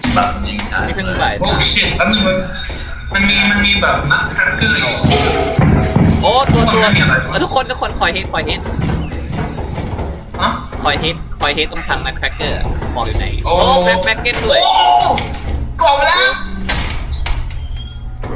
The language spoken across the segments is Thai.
แบบยิงใช่นี่เพิ่งบ่ายโอ้สามชิตแล้วมันมีแบบนักแครกเกอร์อยู่โอ้ตัวทุกคนคอยเฮดฮะคอยเฮดตรงทางนักแครกเกอร์บอกอยู่ไหนโอ้โอ้แบ็คเก็ตด้วยโอ้กอมาแล้วโร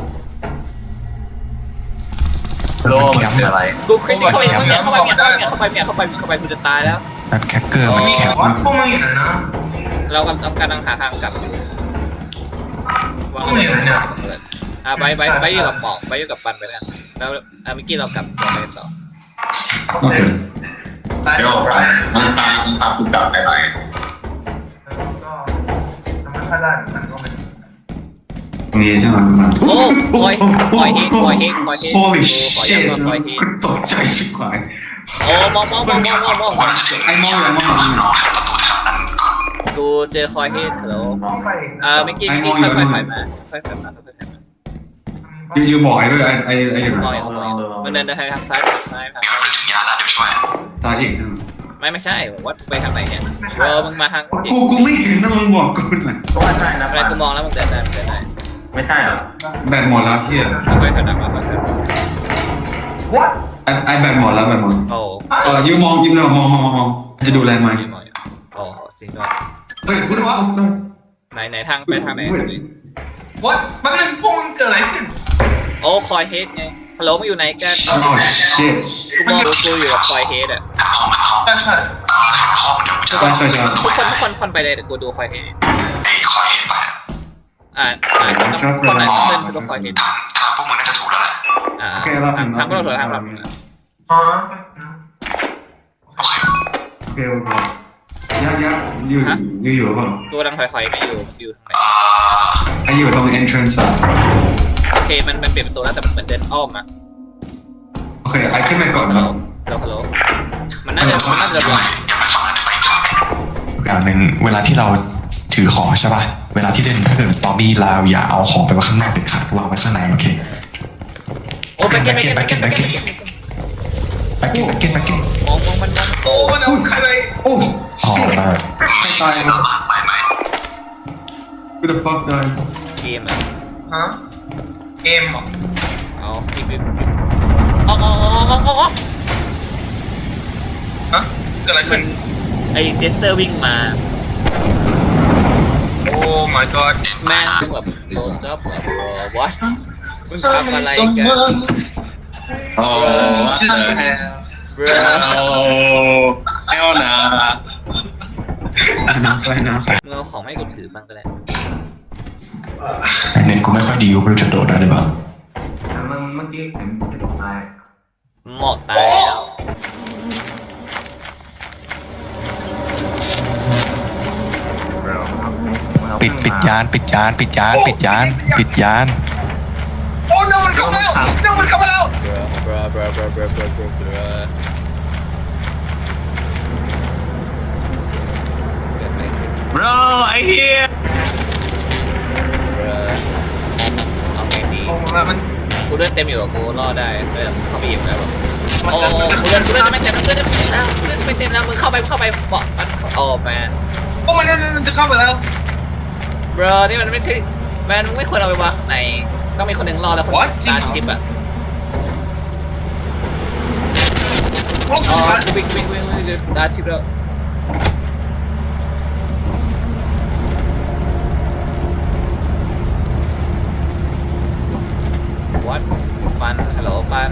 โลมันคืออะไรกูขึ้นเข้าไปเข้าไปกูจะตายแล้วนัดแคคเกอร์มันมีแคแค่บว่าพวกมันอยู่ไหนนะเรากำลังหาทางกลับอยู่วางไปอยู่กับหมอกไปอยู่กับปันไปแล้วแล้วเมื่อกี้เรากลับตัวไปต่อโอเคเดี๋ยวไปมันพากูกลับไปไหนก็ทำไม่ได้เหมือนกันก็ไม่ตรงนี้ใช่ไหมโอ้คอยเฮด Holy คอย shit เฮดคุณตกใจชิบหายโอ้มองไอ้มองอย่างมองกูเจอคอยเฮดฮัลโหลต้องไปเมื่อกี้ค่อยๆมายูบอกไอ้ด้วยไอ้อย่างมองนั้นมันเดินทางซ้ายทางยาแล้วเดี๋ยวช่วยตายอีกใช่ไหมไม่ใช่วัดไปทางไหนเนี่ยมึงมาทางกูไม่เห็นนะมึงบอกกูหน่อยก็ไม่ใช่นะอะไรกูมองแล้วมึงเดินได้ไม่ใช่เหรอแบตหมดแล้วเที่ยค่อยๆขยับมาค่อยวัดไอ้แบตหมดแล้วแบตหมดๆโอ้ยูมองยิ้มเลยมองจะดูแลไหมโอ้จริงด้วยเฮ้ยคุณว่าไหนทางไปทางไหนวัดแป๊บนึงพวกมันเกิดอะไรขึ้นโอ้คอยเฮดไงฮัลโหลมึงอยู่ไหนกันโอ้ชิตกูมองกูอยู่กับคอยเฮดอ่ะใช่ใช่ใช่ทุกคนไปเลยแต่กูดูคอยเฮดไอ้คอยเห็นไปต้องคนไหนต้องเดินคือตัวคอยเฮดทางพวกมึงน่าจะถูกแล้วแหละทางพวกเราถอยทางเราอ๋อโอเคโอเคยักอยู่หรือเปล่ากูกำลังถอยไม่อยู่ทางไหนไอ้อยู่ตรง entrance โอเคมันเปลี่ยนประตูแล้วแต่มันเหมือนเดินอ้อมอ่ะโอเคไอ้ขึ้นไปก่อนฮัลโหลนะฮัลโหลมันน่าจะบอกอย่าไปฟังนั่นไปทางไหนอย่างหนึ่งเวลาที่เราถือของใช่ป่ะเวลาที่เล่นถ้าเกิดสตอรี่เราอย่าเอาของไปไว้ข้างนอกเด็ดขาดวางไว้ข้างในโอเคโอ้ไปเก็ตมองมันโอ้มันเอาใครไปโอ้อ๋อใครตายไปไหม Who the fuck died เกมอ่ะฮะเกมเหรอเอาอ๋อฮะเกิดอะไรขึ้นไอเจสเตอร์วิ่งมาโอ้ my god แม่งแบบโดนจับแบบวัดมึงทำอะไรกันโอ้ชื่อแพรบรเอลนะน้ำไฟน้มึงเอาของให้กูถือบ้างก็ได้ำเน็ตกูไม่ค่อยดีกูไม่รู้จะโดดได้หรือเปล่ามันเมื่อกี้เห็นจะตกตายหมอกตายแล้วปิดยานโอ้ no มันเข้ามาแล้ว no มันเข้ามาแล้ว bro ไอ้เหี้ยเอาไงดีโอ้มันกูเลือดเต็มอยู่กับกูรอดได้เลยเข้าไปยิงแล้วแบบโอ้กูเลือดจะไม่เต็มแล้วมึงเข้าไปเบาะมันโอ้แมนโอ้มันจะเข้าไปแล้วบรนี่มันไม่ใช่แมนไม่ควรเอาไปวางข้างในต้องมีคนหนึ่งรอแล้วคนตาจิ๊บอ่ะอ๋อวิ่งตาจิ๊บแล้ววัดปันฮัลโหลปัน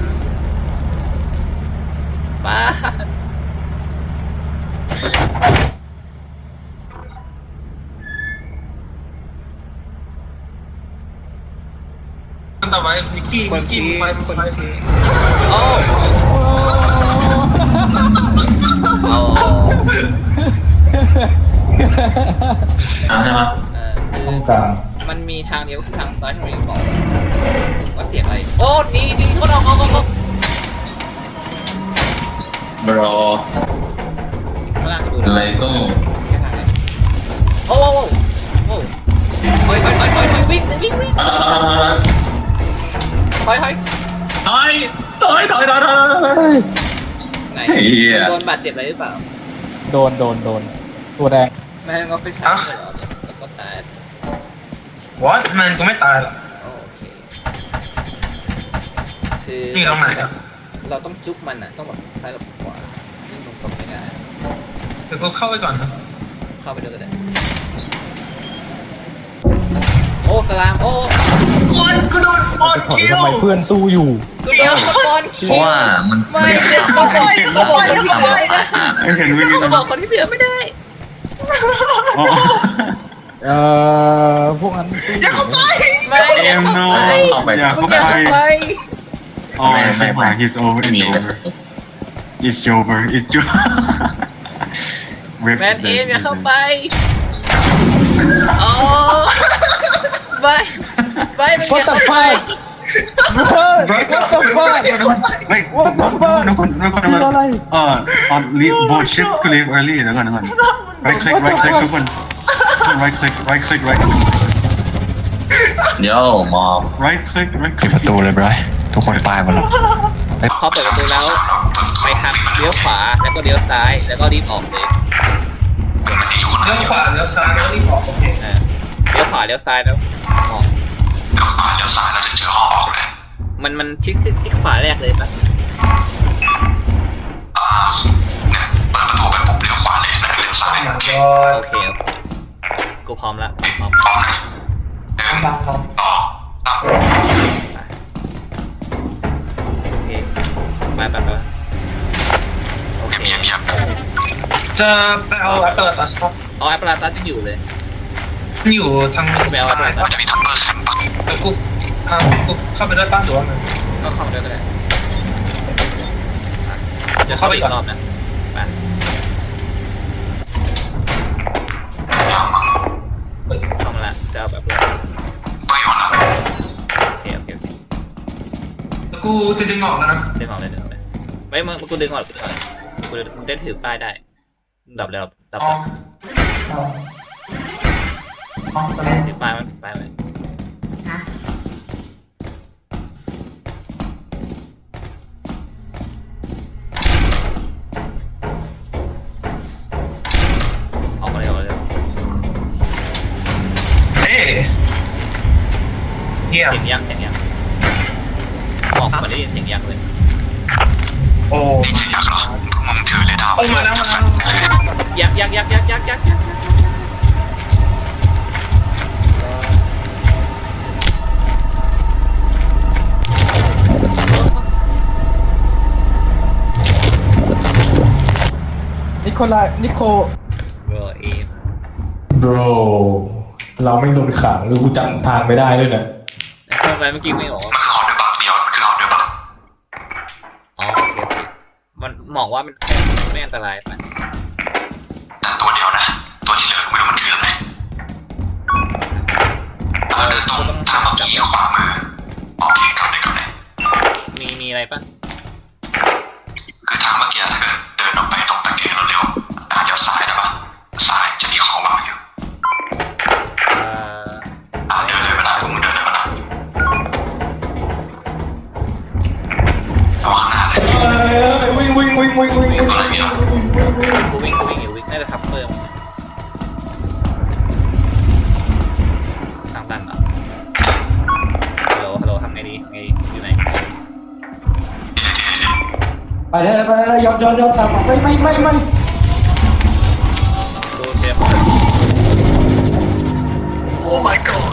ต่อไปมิกกี้ไฟชี้โอ้ใช่ไหมคือมันมีทางเดียวคือทางซ้ายที่เราบอกว่าเสียงอะไรโอ้นี่เขาเอา bro ข้างล่างดูอะไรก็แค่ทางไหนโอ้เฮ้ยวิ่งถอยไหนโดนบาดเจ็บอะไรหรือเปล่าโดนตัวแดงไม่งั้นก็ไปช้าเลยเหรอแล้วก็ตาย what มันก็ไม่ตายหรอกโอเคคือนี่ตรงไหนอะเราต้องจุกมันอ่ะต้องแบบซ้ายกับขวานี่ตรงๆไม่ได้เดี๋ยวกูเข้าไปก่อนนะเข้าไปด้วยก็ได้โอ้สลามโอ้โอ๊ยกูโดนสปอนถอยคิวทำไมเพื่อนสู้อยู่กูโดนสปอนคิเพราะว่ามันไม่เดี๋ยวเขาปล่อยเขาปล่อยเขาปล่อยนะไม่เห็นวิ่งเขาบอกคนที่เหลือไม่ได้พวกนั้นสู้อย่าเข้าไปไม่อย่าเข้าไปเข้าไปอย่ามึงอย่าเข้าไป Oh, he's over. ไม่มี It's แต่ over. It's over. It's over. แมนเอมอย่าเข้าไปอ๋อไม่ไม่มึงอย่าเข้าไป What the fuck Wait, What the fuck? คืออะไร leave board shift to leave early. เดี๋ยวก่อน Right click, right click ทุกคน Right click, right click, right click. เดี๋ยวมอบ Right click, right ปิด click. ประตูเลยบรอยทุกคนตายหมดแล้วพอเปิดประตูแล้วไปทางเลี้ยวขวาแล้วก็เลี้ยวซ้ายแล้วก็รีบออกเลยเลี้ยวขวาเลี้ยวซ้ายแล้วรีบออกโอเคเลี้ยวขวาเลี้ยวซ้ายแล้วออกเดี๋ยวขวาเดี๋ยวซ้ายเราจะเจอห้องออกเลยมันชิดขวาแรกเลยปะเนี่ยเปิดประตูไปปุ๊บเลี้ยวขวาเลยแล้วก็เลี้ยวซ้ายโอ้โอ my เค god โอเคกูพร้อมละพร้อมพร้อมนะหนึ่งบังบังสองสามโอเคไปโอเคเงียบจะไปเอาแอปเปิลตัสต็อปเอาแอปเปิลตัสจะอยู่เลยอยู่ทางไปเอาซ้าย Apple มันจะมีทัมเบอร์แคมปะแต่กูกูเข้าไปด้วยป้าหรือว่าไงก็เข้ามาด้วยก็ได้จะเข้าไปอีกรอบนะไปเข้ามาละจะเอาแบบเปิดอยู่นะโอเคแต่กูจะดึงออกแล้วนะดึงออกเลยไม่มึงกูดึงออกกูได้ถือป้ายได้ดับแล้วดับอ๋อแล้วอ๋อตอนนี้ถือป้ายมันถือป้ายไว้ออกมาเลยเฮ้เฮียเสียงยักษ์บอกมาได้ยินเสียงยักษ์เลยโอ้นี่จะอยากเหรอมึงถือเลยดาวโอ้มาแล้วยักษ์นิโคเออเอม bro เราไม่โดนขังหรือกูจำทางไม่ได้ด้วยนะเข้าไปเมื่อกี้ไม่ออกมันคือฮอตด้วยปะเดี๋ยวมันคือฮอตด้วยปะอ๋อโอเคมันบอกว่ามันแค่ไม่อันตรายไปแต่ตัวเดียวนะตัวที่เหลือไม่รู้มันคืออะไรเดินตรงทางเมื่อกี้ขวามือโอเคกลับเลยมีอะไรปะคือทางเมื่อกี้ถ้าเกิดเดินออกไปตรงตะแกรงแล้วเลี้ยวเลี้ยวซ้ายได้ปะซ้ายจะมีของวางอยู่เดินเลยเวลาพวกมึงเดินเลยเวลาระวังหน้าเลยวิ่งกูวิ่งอยู่วิ่งน่าจะทับเพิ่มทางตันเหรอฮัลโหลทำไงดีอยู่ไหนไปเลยยอมตามไม่ดูเซฟโอ้ my god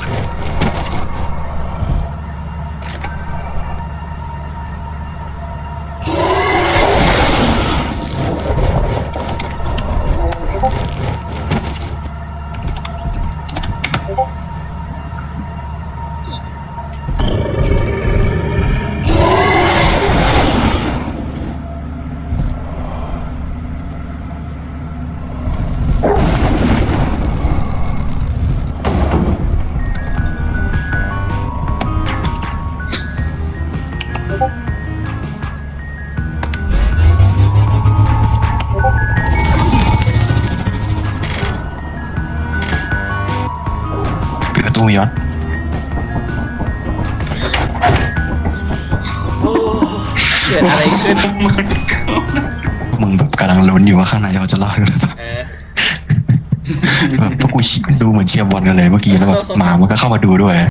ปิดประตูย้อนเกิดอะไรขึ้นมึงแบบกำลังลุ้นอยู่ว่าข้างในเราจะรอดหรือเปล่าเออแบบพวกกูดูเหมือนเชียร์บอลกันเลยเมื่อกี้แล้วแบบหมามันก็เข้ามาดูด้วย